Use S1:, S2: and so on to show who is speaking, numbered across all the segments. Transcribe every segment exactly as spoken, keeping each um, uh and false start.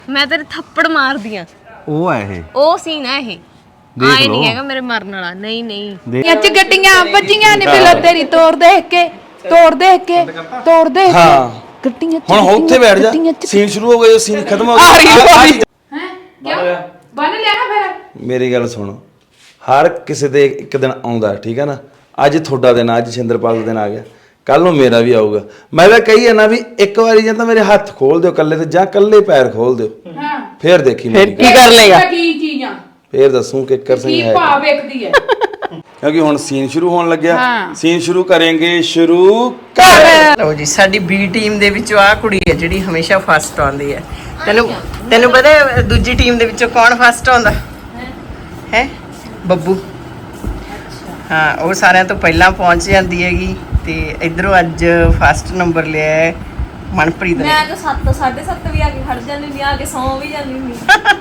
S1: मैं तेरे थप्पड़ मार दिया
S2: ਉਹ ਹੈ ਇਹ
S1: ओ सीन है ये आए नहीं हैगा मेरे मरने वाला नहीं नहीं
S3: ਅੱਜ ਗੱਡੀਆਂ ਵੱਜੀਆਂ ਨੇ ਬਿਲਾ ਤੇਰੀ ਤੋੜ ਦੇਖ ਕੇ ਤੋੜ ਦੇਖ ਕੇ ਤੋੜ ਦੇਖ ਕੇ ਗੱਡੀਆਂ
S4: ਹੁਣ ਉੱਥੇ ਬੈਠ ਜਾ ਸੀਨ ਸ਼ੁਰੂ ਹੋ ਗਿਆ ਸੀਨ ਖਤਮ ਹੋ ਗਿਆ
S3: ਹੈ ਕਿਉਂ ਬਣ ਲਿਆ ਨਾ ਫਿਰ
S4: ਮੇਰੀ ਗੱਲ ਸੁਣ ਹਰ ਕਿਸੇ ਦੇ ਇੱਕ ਦਿਨ ਆਉਂਦਾ ਠੀਕ ਹੈ ਨਾ ਅੱਜ ਤੁਹਾਡਾ ਦਿਨ ਅੱਜ ਸ਼ਿੰਦਰਪਾਲ ਦਾ ਦਿਨ ਆ ਗਿਆ ਕੱਲ ਨੂੰ ਮੇਰਾ ਵੀ ਆਊਗਾ ਮੈਂ ਤਾਂ ਕਹੀ ਹੈ ਨਾ ਵੀ ਇੱਕ ਵਾਰੀ ਜਾਂ ਤਾਂ ਮੇਰੇ ਹੱਥ ਖੋਲ ਦਿਓ ਕੱਲੇ ਤੇ ਜਾਂ ਕੱਲੇ ਪੈਰ ਖੋਲ ਦਿਓ
S3: ਹਾਂ
S4: ਫੇਰ ਦੇਖੀ ਮੇਰੀ
S3: ਕੀ ਕਰ ਲੇਗਾ ਕੀ ਚੀਜ਼ਾਂ
S4: ਫੇਰ ਦੱਸੂ ਕਿ ਕਿੱਕਰ ਸਿੰਘ
S3: ਕੀ
S4: ਹੈ
S3: ਭਾਵ ਵੇਖਦੀ ਹੈ
S4: ਕਿਉਂਕਿ ਹੁਣ ਸੀਨ ਸ਼ੁਰੂ ਹੋਣ ਲੱਗਿਆ ਸੀਨ ਸ਼ੁਰੂ ਕਰਾਂਗੇ ਸ਼ੁਰੂ
S5: ਕਰ ਲਓ ਜੀ ਸਾਡੀ ਬੀ ਟੀਮ ਦੇ ਵਿੱਚੋਂ ਆ ਕੁੜੀ ਹੈ ਜਿਹੜੀ ਹਮੇਸ਼ਾ ਫਸਟ ਆਉਂਦੀ ਹੈ ਤੈਨੂੰ ਤੈਨੂੰ ਪਤਾ ਹੈ ਦੂਜੀ ਟੀਮ ਦੇ ਵਿੱਚੋਂ ਕੌਣ ਫਸਟ ਆਉਂਦਾ ਹੈ ਬੱਬੂ ਹਾਂ ਉਹ ਸਾਰਿਆਂ ਤੋਂ ਪਹਿਲਾਂ ਪਹੁੰਚ ਜਾਂਦੀ ਹੈਗੀ ਤੇ ਇਧਰੋਂ ਅੱਜ ਫਸਟ ਨੰਬਰ ਲਿਆ ਹੈ ਮਨਪ੍ਰੀਤ ਨੇ
S1: मैं तो सात साढ़े सात भी आके खड़ जानी नहीं आके सौ भी जानी नहीं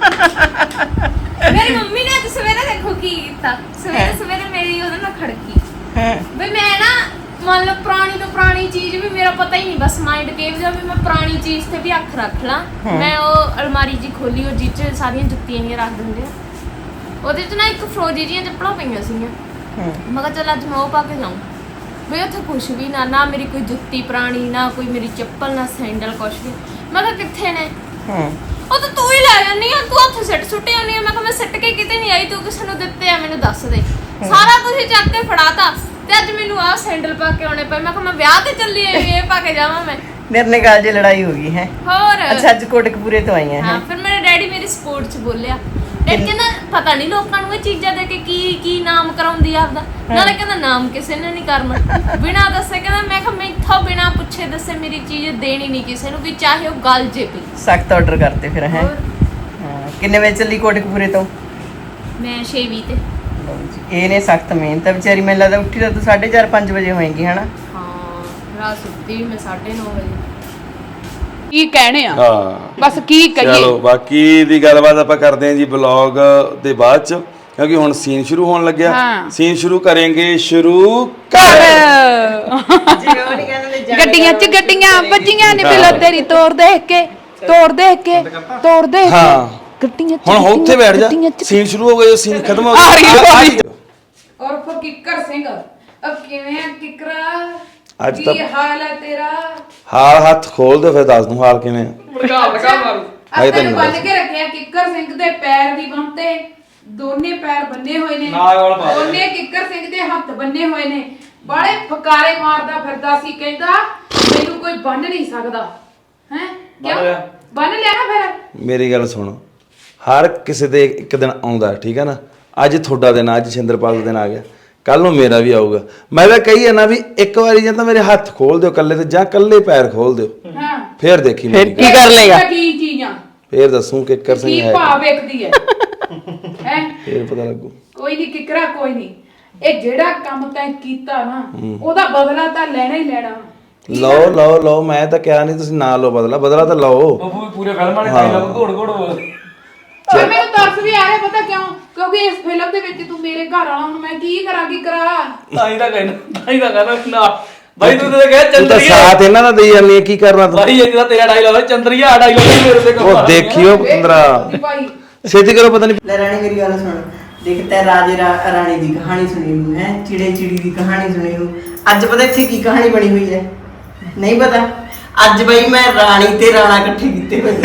S1: मेरी मम्मी ने आज सवेरे देखो की कीता सवेरे सवेरे मेरी ਉਹਦੇ ਨਾਲ ਖੜਕੀ ਬਈ ਮੈਂ ਨਾ ਮੰਨ ਲਓ ਪੁਰਾਣੀ ਤੋਂ ਪੁਰਾਣੀ ਚੀਜ਼ ਵੀ ਮੇਰਾ ਪਤਾ ਹੀ ਨਹੀਂ ਬਸ ਮਾਈਂਡ ਕੇ ਵੀ ਮੈਂ ਪੁਰਾਣੀ ਚੀਜ਼ ਤੇ ਵੀ ਅੱਖ ਰੱਖ ਲਾਂ ਮੈਂ ਉਹ ਅਲਮਾਰੀ ਜੀ ਖੋਲੀ ਉਹ ਜਿੱਚ ਸਾਰੀਆਂ ਜੁੱਤੀਆਂ ਹੀ ਰੱਖ ਦਿੰਦੇ ਆ ਉਹਦੇ ਚ ਨਾ ਇੱਕ ਫਰੋਜੀ ਜੀਆਂ ਚੱਪਲਾਂ ਪਈਆਂ ਸੀਗੀਆਂ ਮੈਂ ਕਿਹਾ ਚੱਲ ਅੱਜ ਮੈਂ ਉਹ ਪਾ ਕੇ ਜਾਊਂ ਵੀ ਉੱਥੇ ਕੁਛ ਵੀ ਨਾ ਨਾ ਮੇਰੀ ਕੋਈ ਜੁੱਤੀ ਪੁਰਾਣੀ ਨਾ ਕੋਈ ਮੇਰੀ ਚੱਪਲ ਨਾ ਸੈਂਡਲ ਕੁਛ ਵੀ ਮੈਂ ਕਿਹਾ ਕਿੱਥੇ ਨੇ ਉਹ ਤਾਂ ਤੂੰ ਹੀ ਲੈ ਜਾਂਦੀ ਆ ਤੂੰ ਉੱਥੇ ਸਿੱਟ ਸੁੱਟੇ ਆਉਂਦੀ ਆ ਮੈਂ ਕਿਹਾ ਮੈਂ ਸਿੱਟ ਕੇ ਕਿਤੇ ਨਹੀਂ ਆਈ ਤੂੰ ਕਿਸੇ ਨੂੰ ਦਿੱਤੇ ਆ ਮੈਨੂੰ ਦੱਸ ਦੇ ਸਾਰਾ ਤੁਸੀਂ ਚੱਕ ਕੇ ਫੜਾਤਾ ਤੇ ਅੱਜ ਮੈਨੂੰ ਆਹ ਸੈਂਡਲ ਪਾ ਕੇ ਆਉਣੇ ਪਏ ਮੈਂ ਕਿਹਾ ਮੈਂ ਵਿਆਹ ਤੇ ਚੱਲੀ ਆਈ ਇਹ ਪਾ ਕੇ ਜਾਵਾਂ ਮੈਂ
S5: ਨਿਰਨੇ ਗੱਲ ਜੇ ਲੜਾਈ ਹੋ ਗਈ ਹੈ
S1: ਹੋਰ
S5: ਅੱਛਾ ਅੱਜ ਕੋਟਕਪੂਰੇ ਤੋਂ ਆਈਆਂ
S1: ਹਾਂ ਫਿਰ ਮੇਰੇ ਡੈਡੀ ਮੇਰੀ ਸਪੋਰਟ ਚ ਬੋਲਿਆ ਇਹ ਕਹਿੰਦਾ ਪਤਾ ਨਹੀਂ ਲੋਕਾਂ ਨੂੰ ਇਹ ਚੀਜ਼ਾਂ ਦੇ ਕੇ ਕੀ ਕੀ ਨਾਮ ਕਰਾਉਂਦੀ ਆ ਆਪਦਾ ਨਾਲੇ ਕਹਿੰਦਾ ਨਾਮ ਕਿਸੇ ਨੇ ਨਹੀਂ ਕਰਨਾ ਬਿਨਾ ਦੱਸੇ ਕਹਿੰਦਾ ਮੈਂ ਕਿਹਾ ਮੈਥੋਂ ਬਿਨਾ ਪੁੱਛੇ ਦੱਸੇ ਮੇਰੀ ਚੀਜ਼ ਦੇਣੀ ਨਹੀਂ ਕਿਸੇ ਨੂੰ ਵੀ ਚਾਹੇ ਉਹ ਗੱਲ ਜੇ ਪਈ
S5: ਸਖਤ ਆਰਡਰ ਕਰਤੇ ਫਿਰ ਹੈ ਹਾਂ ਕਿੰਨੇ ਵਜੇ ਚੱਲੀ ਕੋਟਕਪੂਰੇ ਤੋਂ
S1: ਮੈਂ ਛੇ ਵੀਹ ਤੇ
S5: ਇਹ ਨੇ ਸਖਤ ਮਿਹਨਤ ਹੈ ਵਿਚਾਰੀ ਮੈਨੂੰ ਲੱਗਦਾ ਉੱਠੀ ਤਾਂ ਤੂੰ ਸਾਢੇ ਚਾਰ ਪੰਜ ਵਜੇ ਹੋਏਗੀ ਹਨਾ
S1: ਹਾਂ ਰਾਤ ਸੁੱਤੀ ਵੀ ਮੈਂ ਸਾਢੇ ਨੌ ਵਜੇ
S3: ਕੀ ਕਹਿਣੇ ਆ
S4: ਹਾਂ
S3: ਬਸ ਕੀ ਕਹੀਏ
S4: ਚਲੋ ਬਾਕੀ ਦੀ ਗੱਲਬਾਤ ਆਪਾਂ ਕਰਦੇ ਹਾਂ ਜੀ ਬਲੌਗ ਦੇ ਬਾਅਦ ਚ ਕਿਉਂਕਿ ਹੁਣ ਸੀਨ ਸ਼ੁਰੂ ਹੋਣ ਲੱਗਿਆ ਸੀਨ ਸ਼ੁਰੂ ਕਰਾਂਗੇ ਸ਼ੁਰੂ ਕਰ
S3: ਗੱਡੀਆਂ ਚ ਗੱਡੀਆਂ ਵੱਜੀਆਂ ਨੇ ਬਿਲਾ ਤੇਰੀ ਤੋੜ ਦੇਖ ਕੇ ਤੋੜ ਦੇਖ ਕੇ ਤੋੜ ਦੇਖ ਕੇ ਗੱਡੀਆਂ ਚ
S4: ਹੁਣ ਉੱਥੇ ਬੈਠ ਜਾ ਸੀਨ ਸ਼ੁਰੂ ਹੋ ਗਿਆ ਸੀਨ ਖਤਮ ਹੋ ਗਿਆ
S3: ਔਰ ਫਿਰ ਕਿੱਕਰ ਸਿੰਘ ਅਬ ਕਿਵੇਂ ਆ ਕਿੱਕਰਾ
S4: ਅੱਜ ਤਾਂ
S3: ਕੀ ਹਾਲ ਹੈ ਤੇਰਾ
S4: ਹਾਲ ਹੱਥ ਖੋਲ ਦੇ ਫਿਰ ਦੱਸ ਦੂੰ ਹਾਲ ਕਿਵੇਂ ਆ
S3: ਲਗਾ ਲਗਾ ਮਾਰੂ ਅੱਜ ਤੈਨੂੰ ਬੰਨ ਕੇ ਰੱਖਿਆ ਕਿੱਕਰ ਸਿੰਘ ਦੇ ਪੈਰ ਵੀ ਬੰਨਤੇ ਦੋਨੇ ਪੈਰ ਬੰਨੇ ਹੋਏ ਨੇ ਦੋਨੇ ਕਿੱਕਰ ਸਿੰਘ ਦੇ ਹੱਥ ਬੰਨੇ ਹੋਏ ਨੇ ਬਾਲੇ ਫਕਾਰੇ ਮਾਰਦਾ ਫਿਰਦਾ ਸੀ ਕਹਿੰਦਾ ਮੈਨੂੰ ਕੋਈ ਬੰਨ ਨਹੀਂ ਸਕਦਾ ਹੈ ਕਿਉਂ ਬੰਨ ਲਿਆ ਨਾ ਫਿਰ
S4: ਮੇਰੀ ਗੱਲ ਸੁਣ ਹਰ ਕਿਸੇ ਦੇ ਇੱਕ ਦਿਨ ਆਉਂਦਾ ਠੀਕ ਹੈ ਨਾ ਅੱਜ ਤੁਹਾਡਾ ਦਿਨ ਅੱਜ ਸ਼ਿੰਦਰਪਾਲ ਦਾ ਦਿਨ ਆ ਗਿਆ ਕੱਲ ਨੂੰ ਮੇਰਾ ਵੀ ਆਊਗਾ ਮੈਂ ਤਾਂ ਕਹੀ ਹੈ ਨਾ ਵੀ ਇੱਕ ਵਾਰੀ ਜਾਂ ਤਾਂ ਮੇਰੇ ਹੱਥ ਖੋਲ ਦਿਓ ਕੱਲੇ ਤੇ ਜਾਂ ਕੱਲੇ ਪੈਰ ਖੋਲ ਦਿਓ
S3: ਹਾਂ
S4: ਫੇਰ ਦੇਖੀ ਮੇਰੀ
S5: ਕੀ ਕਰ ਲੇਗਾ
S3: ਕੀ ਚੀਜ਼ਾਂ
S4: ਫੇਰ ਦੱਸੂ ਕਿ ਕਿੱਕਰ ਸਿੰਘ
S3: ਕੀ
S4: ਹੈ
S3: ਭਾਵ ਵੇਖਦੀ ਹੈ ਹੈ
S4: ਫੇਰ ਪਤਾ ਲੱਗੂ
S3: ਕੋਈ ਨਹੀਂ ਕਿਕਰਾ ਕੋਈ ਨਹੀਂ ਇਹ ਜਿਹੜਾ ਕੰਮ ਤੈਂ ਕੀਤਾ ਨਾ ਉਹਦਾ ਬਦਲਾ ਤਾਂ ਲੈਣਾ ਹੀ ਲੈਣਾ
S4: ਲਓ ਲਓ ਲਓ ਮੈਂ ਤਾਂ ਕਿਹਾ ਨਹੀਂ ਤੁਸੀਂ ਨਾ ਲਓ ਬਦਲਾ ਬਦਲਾ ਤਾਂ ਲਓ
S6: ਬੱਬੂ ਪੂਰੇ ਫਿਲਮਾਂ ਨੇ ਡਾਇਲੌਗ ਘੋੜ ਘੋੜ ਬੋਲ
S3: ਪਰ ਮੈਨੂੰ ਤਰਸ ਵੀ ਆ ਰਿਹਾ ਪਤਾ ਕਿਉਂ ਕਿਉਂਕਿ ਇਸ ਫਿਲਮ ਦੇ ਵਿੱਚ ਤੂੰ ਮੇਰੇ ਘਰ ਵਾਲਾ ਹੁਣ ਮੈਂ ਕੀ ਕਰਾਂ ਕੀ ਕਰਾਂ
S6: ਤਾਂ ਹੀ ਤਾਂ ਕਹਿਣਾ ਤਾਂ ਹੀ ਤਾਂ ਕਹਿੰਦਾ ਨਾ ਬਾਈ ਤੂੰ ਤਾਂ ਕਹਿ
S4: ਤੂੰ ਤਾਂ
S6: ਚੰਦਰੀਆ
S4: ਸਾਥ ਇਹਨਾਂ ਦਾ ਦੇਈ ਜਾਂਦੀ ਹੈ ਕੀ ਕਰਨਾ ਤੂੰ
S6: ਬਾਈ ਇਹ ਤਾਂ ਤੇਰਾ ਡਾਇਲੌਗ ਹੈ ਚੰਦਰੀਆ ਡਾਇਲੌਗ ਨਹੀਂ ਮੇਰੇ ਤੇ
S4: ਉਹ ਦੇਖਿਓ ਪੰਦਰਾ
S3: ਭਾਈ
S4: ਛੇਤੀ ਕਰੋ ਪਤਾ ਨਹੀਂ
S5: ਲੈ ਰਾਣੀ ਮੇਰੀ ਗੱਲ ਸੁਣ ਦੇਖ ਤੈ ਰਾਜੇ ਰਾ- ਰਾਣੀ ਦੀ ਕਹਾਣੀ ਸੁਣੀ ਨੂੰ ਹੈ ਚਿੜੇ ਚਿੜੀ ਦੀ ਕਹਾਣੀ ਸੁਣੀ ਨੂੰ ਅੱਜ ਪਤਾ ਇੱਥੇ ਕੀ ਕਹਾਣੀ ਬਣੀ ਹੋਈ ਹੈ ਨਹੀਂ ਪਤਾ ਅੱਜ ਬਈ ਮੈਂ ਰਾਣੀ ਤੇ ਰਾਣਾ ਇਕੱਠੇ ਕੀਤੇ ਹੋਏ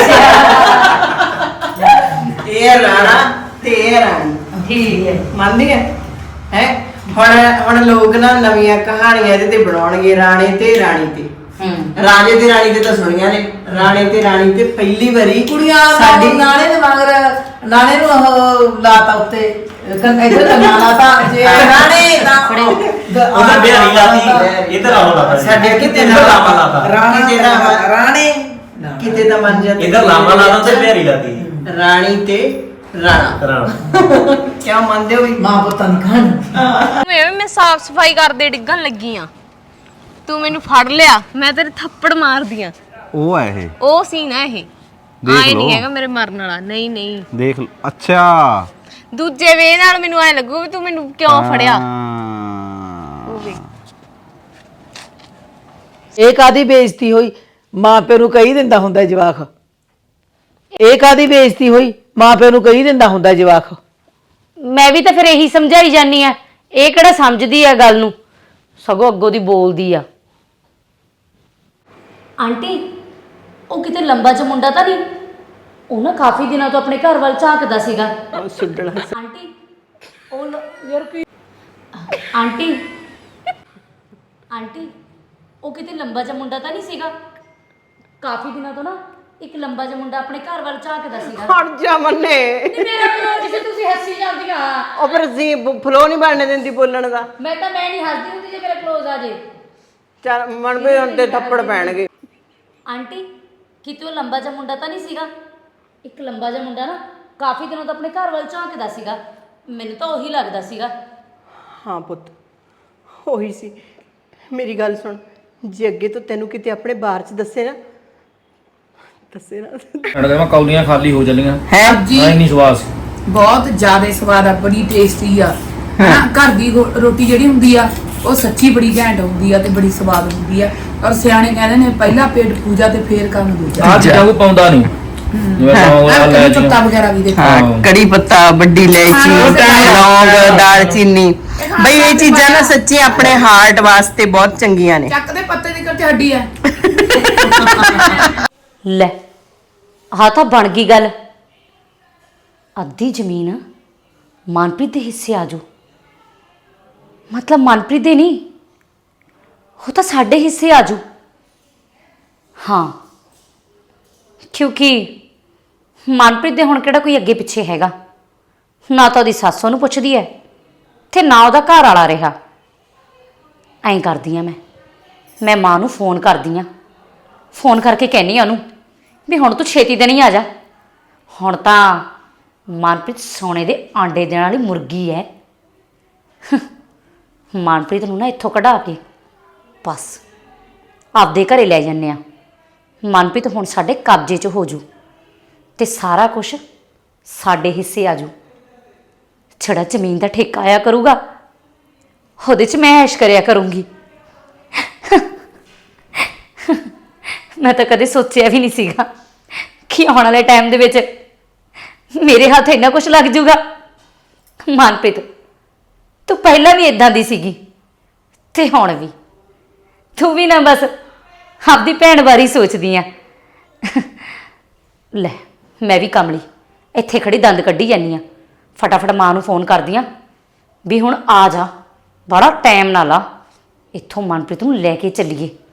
S5: ਇਹ ਹੈ ਰਾਣਾ ਤੇ ਇਹ ਹੈ ਰਾਣੀ ਠੀਕ ਹੈ ਮੰਨਦੀ ਹੈ ਹੈ ਹੁਣ ਹੁਣ ਲੋਕ ਨਾ ਨਵੀਆਂ ਕਹਾਣੀਆਂ ਇਹਦੇ ਤੇ ਬਣਾਉਣਗੇ ਰਾਣੇ ਤੇ ਰਾਣੀ ਤੇ ਰਾਜੇ ਤੇ ਰਾਣੀ ਤੇ ਤਾਂ ਸੁਣੀਆਂ ਨੇ ਰਾਣੇ ਤੇ ਰਾਣੀ ਤੇ ਪਹਿਲੀ ਵਾਰੀ
S7: ਕੁੜੀਆਂ ਸਾਡੀ ਨਾਲੇ ਦੇ ਮਗਰ ਨਾਲੇ ਨੂੰ ਉਹ ਲਾਤਾ ਉੱਤੇ ਇਧਰ ਦਾ ਨਾਂ ਲਾਤਾ ਜੇ ਰਾਣੇ ਦਾ
S6: ਉਹਦਾ ਬਿਹਾਰੀ ਲਾਤੀ ਇਧਰ ਆਉ ਲਾਤਾ
S5: ਸਾਡੇ ਕਿਤੇ ਨਾ ਲਾਮਾ ਲਾਤਾ ਰਾਣੀ ਤੇ ਨਾ ਰਾਣੇ ਕਿਤੇ ਤਾਂ ਮੰਨ ਜਾਂਦੇ
S6: ਇਧਰ ਲਾਮਾ ਲਾਤਾ ਤੇ ਬਿਹਾਰੀ ਲਾਤੀ
S5: ਰਾਣੀ ਤੇ ਰਾਣਾ
S6: ਰਾਣਾ
S5: ਕਿਉਂ ਮੰਨਦੇ ਹੋ ਵੀ
S7: ਮਾਂ ਪੁੱਤਾਂ ਦੀ ਕਹਾਣੀ
S1: ਮੈਂ ਮੈਂ ਸਾਫ ਸਫਾਈ ਕਰਦੇ ਡਿੱਗਣ ਲੱਗੀ ਆ ਤੂੰ ਮੈਨੂੰ ਫੜ ਲਿਆ ਮੈਂ ਤੇਰੇ ਥੱਪੜ ਮਾਰ ਦਿਆਂ
S2: ਉਹ ਹੈ ਇਹ
S1: ਉਹ ਸੀਨ ਹੈ ਇਹ ਆਏ ਨਹੀਂ ਹੈਗਾ ਮੇਰੇ ਮਰਨ ਵਾਲਾ ਨਹੀਂ ਨਹੀਂ
S2: ਦੇਖ ਲਓ ਅੱਛਾ
S1: ਦੂਜੇ ਵੇ ਨਾਲ ਮੈਨੂੰ ਐ ਲੱਗੂ ਵੀ ਤੂੰ ਮੈਨੂੰ ਕਿਉਂ ਫੜਿਆ ਉਹ ਵੇ
S7: ਇਹ ਕਾਦੀ ਬੇਇੱਜ਼ਤੀ ਹੋਈ ਮਾਂ ਪਿਓ ਨੂੰ ਕਹੀ ਦਿੰਦਾ ਹੁੰਦਾ ਜਵਾਕ ਇਹ ਕਾਦੀ ਬੇਇੱਜ਼ਤੀ ਹੋਈ? ਮਾਂ ਪਿਓ ਨੂੰ ਕਹੀ ਦਿੰਦਾ ਹੁੰਦਾ ਜਵਾਕ।
S8: ਮੈਂ ਵੀ ਤਾਂ ਫਿਰ ਇਹੀ ਸਮਝਾਈ ਜਾਨੀ ਆ, ਇਹ ਕਿਹੜਾ ਸਮਝਦੀ ਆ ਗੱਲ ਨੂੰ, ਸਗੋਂ ਅੱਗੋਂ ਦੀ ਬੋਲਦੀ ਆ। ਆਂਟੀ ਉਹ ਕਿਤੇ ਲੰਬਾ ਜਿਹਾ ਮੁੰਡਾ ਤਾਂ ਨਹੀਂ? ਉਹ ਨਾ ਕਾਫੀ ਦਿਨਾਂ ਤੋਂ ਆਪਣੇ ਘਰ ਵੱਲ ਝਾਕਦਾ ਸੀਗਾ। ਆਂਟੀ ਉਹ ਲ- ਯਾਰ ਕੀ ਆਂਟੀ ਆਂਟੀ ਉਹ ਕਿਤੇ ਲੰਬਾ ਜਿਹਾ ਮੁੰਡਾ ਤਾਂ ਨਹੀਂ ਸੀਗਾ? ਕਾਫੀ ਦਿਨਾਂ ਤੋਂ ਨਾ ਇੱਕ ਲੰਬਾ ਜਿਹਾ ਮੁੰਡਾ ਆਪਣੇ ਘਰ ਵੱਲ ਝਾਕਦਾ ਸੀਗਾ।
S5: ਹਟ ਜਾ ਮੰਨੇ।
S8: ਨਹੀਂ ਮੇਰਾ ਫਲੋ ਕਿਸੇ ਤੁਸੀਂ ਹੱਸੀ ਜਾਂਦੀਆਂ।
S5: ਉਹ ਫਿਰ ਜੀ ਫਲੋ ਨਹੀਂ ਬਣਨ ਦਿੰਦੀ ਬੋਲਣ ਦਾ।
S8: ਮੈਂ ਤਾਂ ਮੈਂ ਨਹੀਂ ਹੱਸਦੀ ਹੁੰਦੀ ਜੇ ਮੇਰਾ ਕਲੋਜ਼ ਆ ਜੇ।
S5: ਚੱਲ ਮਨ ਵੀ ਹੁਣ ਤੇ ਥੱਪੜ ਪੈਣਗੇ।
S8: ਆਂਟੀ ਕਿਤੇ ਉਹ ਲੰਬਾ ਜਿਹਾ ਮੁੰਡਾ ਤਾਂ ਨਹੀਂ ਸੀਗਾ? ਇੱਕ ਲੰਬਾ ਜਿਹਾ ਮੁੰਡਾ ਨਾ ਕਾਫੀ ਦਿਨੋਂ ਤੋਂ ਆਪਣੇ ਘਰ ਵੱਲ ਝਾਕਦਾ ਸੀਗਾ, ਮੈਨੂੰ ਤਾਂ ਉਹੀ ਲੱਗਦਾ ਸੀਗਾ।
S5: ਹਾਂ ਪੁੱਤ ਉਹੀ ਸੀ। ਮੇਰੀ ਗੱਲ ਸੁਣ, ਜੇ ਅੱਗੇ ਤੋਂ ਤੈਨੂੰ ਕਿਤੇ ਆਪਣੇ ਬਾਹਰ ਚ ਦੱਸੇ ਨਾ ਦੱਸੇ ਨਾ
S6: ਕਹਿੰਦਾ ਮੈਂ ਕੌਲੀਆਂ ਖਾਲੀ ਹੋ ਚੱਲੀਆਂ
S3: ਹੈ ਜੀ।
S6: ਨਹੀਂ ਨਹੀਂ ਸਵਾਸ
S3: ਬਹੁਤ ਜ਼ਿਆਦਾ ਸਵਾਦ ਆ, ਬੜੀ ਟੇਸਟੀ ਆ ਹਨਾ। ਘਰ ਦੀ ਗੋ- ਰੋਟੀ ਜਿਹੜੀ ਹੁੰਦੀ ਆ ਉਹ ਸੱਚੀ ਬੜੀ ਘੈਂਟ ਹੁੰਦੀ ਆ ਤੇ ਬੜੀ ਸਵਾਦ ਹੁੰਦੀ ਆ। ਔਰ ਸਿਆਣੇ ਕਹਿੰਦੇ ਨੇ ਪਹਿਲਾ ਪੇਟ ਪੂਜਾ ਤੇ ਫੇਰ ਕੰਮ ਦੂਜਾ।
S6: ਆਹ ਚੀਜ਼ਾਂ ਕੋਈ ਪਾਉਂਦਾ ਨਹੀਂ ਜਿਵੇਂ ਲੌਂਗ
S3: ਆਹ
S6: ਲੈ
S3: ਕੜੀ ਪੱਤਾ ਵਗੈਰਾ ਵੀ ਦੇਖੋ।
S5: ਹਾਂ ਕੜੀ ਪੱਤਾ, ਵੱਡੀ ਇਲਾਇਚੀ, ਲੌਂਗ, ਦਾਲਚੀਨੀ, ਬਈ ਇਹ ਚੀਜ਼ਾਂ ਨਾ ਸੱਚੀ ਆਪਣੇ ਹਾਰਟ ਵਾਸਤੇ ਬਹੁਤ ਚੰਗੀਆਂ ਨੇ।
S3: ਚੱਕ ਦੇ ਪੱਤੇ ਦੀ ਕਰਤੇ ਹੱਡੀ ਆ।
S8: ਲੈ ਆਹ ਤਾਂ ਬਣ ਗਈ ਗੱਲ, ਅੱਧੀ ਜ਼ਮੀਨ ਮਨਪ੍ਰੀਤ ਦੇ ਹਿੱਸੇ ਆ ਜਾਊ। ਮਤਲਬ ਮਨਪ੍ਰੀਤ ਦੇ ਨਹੀਂ, ਉਹ ਤਾਂ ਸਾਡੇ ਹਿੱਸੇ ਆ ਜਾਊ। ਹਾਂ ਕਿਉਂਕਿ ਮਨਪ੍ਰੀਤ ਦੇ ਹੁਣ ਕਿਹੜਾ ਕੋਈ ਅੱਗੇ ਪਿੱਛੇ ਹੈਗਾ, ਨਾ ਤਾਂ ਉਹਦੀ ਸੱਸ ਉਹਨੂੰ ਪੁੱਛਦੀ ਹੈ ਤੇ ਨਾ ਉਹਦਾ ਘਰ ਵਾਲਾ ਰਿਹਾ। ਐਂ ਕਰਦੀ ਆ ਮੈਂ ਮੈਂ ਮਾਂ ਨੂੰ ਫੋਨ ਕਰਦੀ ਆ, ਫੋਨ ਕਰਕੇ ਕਹਿੰਦੀ ਆ ਉਹਨੂੰ ਵੀ ਹੁਣ ਤੂੰ ਛੇਤੀ ਦੇ ਨਹੀਂ ਆ ਜਾ, ਹੁਣ ਤਾਂ ਮਨਪ੍ਰੀਤ ਸੋਨੇ ਦੇ ਆਂਡੇ ਦੇਣ ਵਾਲੀ ਮੁਰਗੀ ਹੈ। ਮਨਪ੍ਰੀਤ ਨੂੰ ਨਾ ਇੱਥੋਂ ਕਢਾ ਕੇ ਬਸ ਆਪਦੇ ਘਰੇ ਲੈ ਜਾਂਦੇ ਆ। ਮਨਪ੍ਰੀਤ ਹੁਣ ਸਾਡੇ ਕਬਜ਼ੇ 'ਚ ਹੋ ਜੂ ਤੇ ਸਾਰਾ ਕੁਝ ਸਾਡੇ ਹਿੱਸੇ ਆ ਜੂ। ਜਿਹੜਾ ਜ਼ਮੀਨ ਦਾ ਠੇਕਾ ਆਇਆ ਕਰੂਗਾ ਉਹਦੇ 'ਚ ਮੈਂ ਐਸ਼ ਕਰਿਆ ਕਰੂੰਗੀ। ਮੈਂ ਤਾਂ ਕਦੇ ਸੋਚਿਆ ਵੀ ਨਹੀਂ ਸੀਗਾ ਕਿ ਆਉਣ ਵਾਲੇ ਟਾਈਮ ਦੇ ਵਿੱਚ ਮੇਰੇ ਹੱਥ ਇੰਨਾ ਕੁਝ ਲੱਗ ਜੂਗਾ। ਮਨਪ੍ਰੀਤ ਤੂੰ ਪਹਿਲਾਂ ਵੀ ਇਦਾਂ ਦੀ ਸੀਗੀ ਤੇ ਹੁਣ ਵੀ ਤੂੰ ਵੀ ਨਾ ਬਸ ਆਪਦੀ ਭੈਣ ਬਾਰੇ ਸੋਚਦੀ ਆ। ਲੈ ਮੈਂ ਵੀ ਕਮਲੀ ਇੱਥੇ ਖੜੀ ਦੰਦ ਕੱਢੀ ਜਾਂਦੀ ਆ, ਫਟਾਫਟ ਮਾਂ ਨੂੰ ਫੋਨ ਕਰਦੀ ਆ ਵੀ ਹੁਣ ਆ ਜਾ, ਬੜਾ ਟਾਈਮ ਨਾ ਲਾ, ਇੱਥੋਂ ਮਨਪ੍ਰੀਤ ਨੂੰ ਲੈ ਕੇ ਚੱਲੀਏ।